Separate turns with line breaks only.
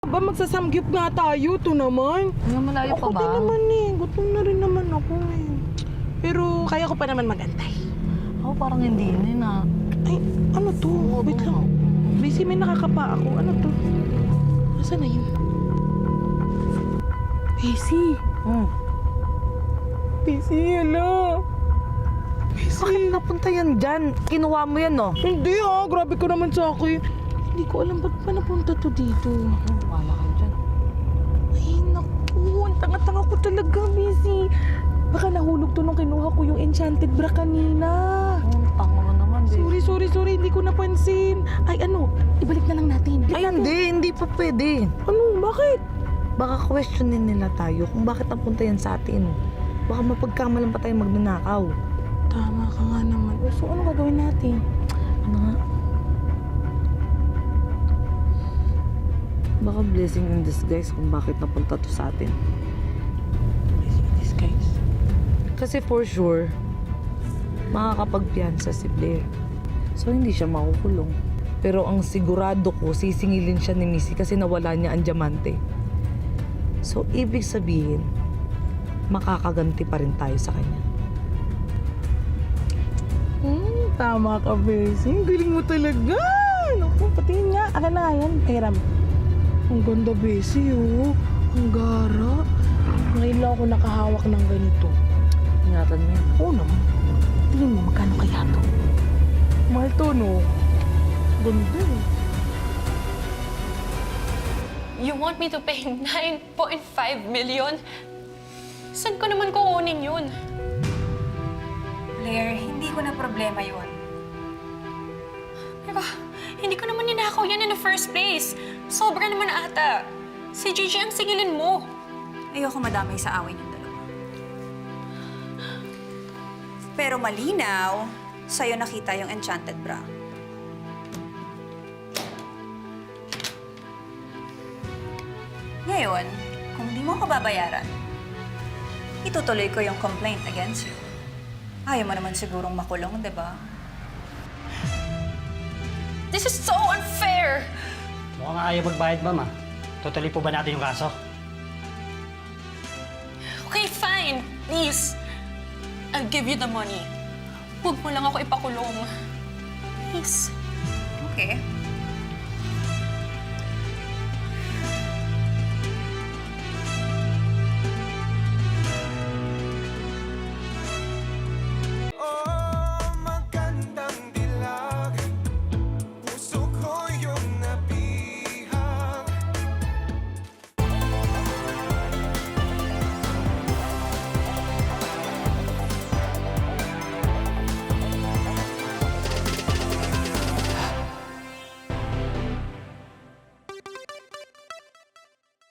Ba, magsasamgyup nga tayo. Ito naman.
Hanggang malayo pa
Ako
ba?
din naman eh. Gutom na rin naman ako eh. Pero kaya ko pa naman magantay.
Ako parang hindi na.
Ay, ano to? Wait lang. Busy, may nakakapa ako. Ano to? Nasaan na yun? Busy. Busy, hello.
Bakit napunta yan dyan? Kinuha mo yan, no?
Hindi ah, grabe ko naman sa akin. Hindi ko alam ba't pa napunta to dito.
Wala ka dyan.
Ay, naku. Ang tanga-tanga ko talaga, Busy. Baka nahulog to nung kinuha ko yung enchanted bra kanina.
Ang tanga mo naman, babe.
Sorry. Hindi ko napansin. Ay, ano? Ibalik na lang natin.
Ay, hindi pa pwede.
Ano? Bakit?
Baka questionin nila tayo kung bakit napunta yan sa atin. Baka mapagkamalan pa tayo magnanakaw.
Tama ka nga naman. So, ano gagawin natin?
Ano nga? Baka blessing in disguise kung bakit napunta to sa atin.
Blessing in disguise.
Kasi for sure, makakapagpiyansa si Blair. So, hindi siya makukulong. Pero ang sigurado ko, sisingilin siya ni Missy kasi nawala niya ang diamante. So, ibig sabihin, makakaganti pa rin tayo sa kanya.
Tama ka, Bessie. Ang galing mo talaga. Naku, patingin nga. Akin na nga yan. Hiram. Ang ganda, Bessie, oh. Ang gara. Ngayon lang ako nakahawak ng ganito.
Ingatan mo yan.
Oo naman. Tingin mo, magkano kaya to? Mahal to, no? Ganda, eh.
You want me to pay 9.5 million? Saan ko naman kukunin yun?
Blair, hindi ko na problema yun.
Diba, hindi ko naman ninakaw yan in the first place. Sobra naman ata. Si Gigi ang singilin mo.
Ayoko madamay sa away niyong dalawa. Pero malinaw, sa'yo nakita yung enchanted bra. Ngayon, kung di mo ako babayaran, itutuloy ko yung complaint against you. Ayaw mo naman sigurong makulong, di ba?
This is so unfair!
Mukhang ayaw magbayad, ma'am, ah. Tutuloy po ba natin yung kaso?
Okay, fine. Please. I'll give you the money. Huwag mo lang ako ipakulong. Please.
Okay.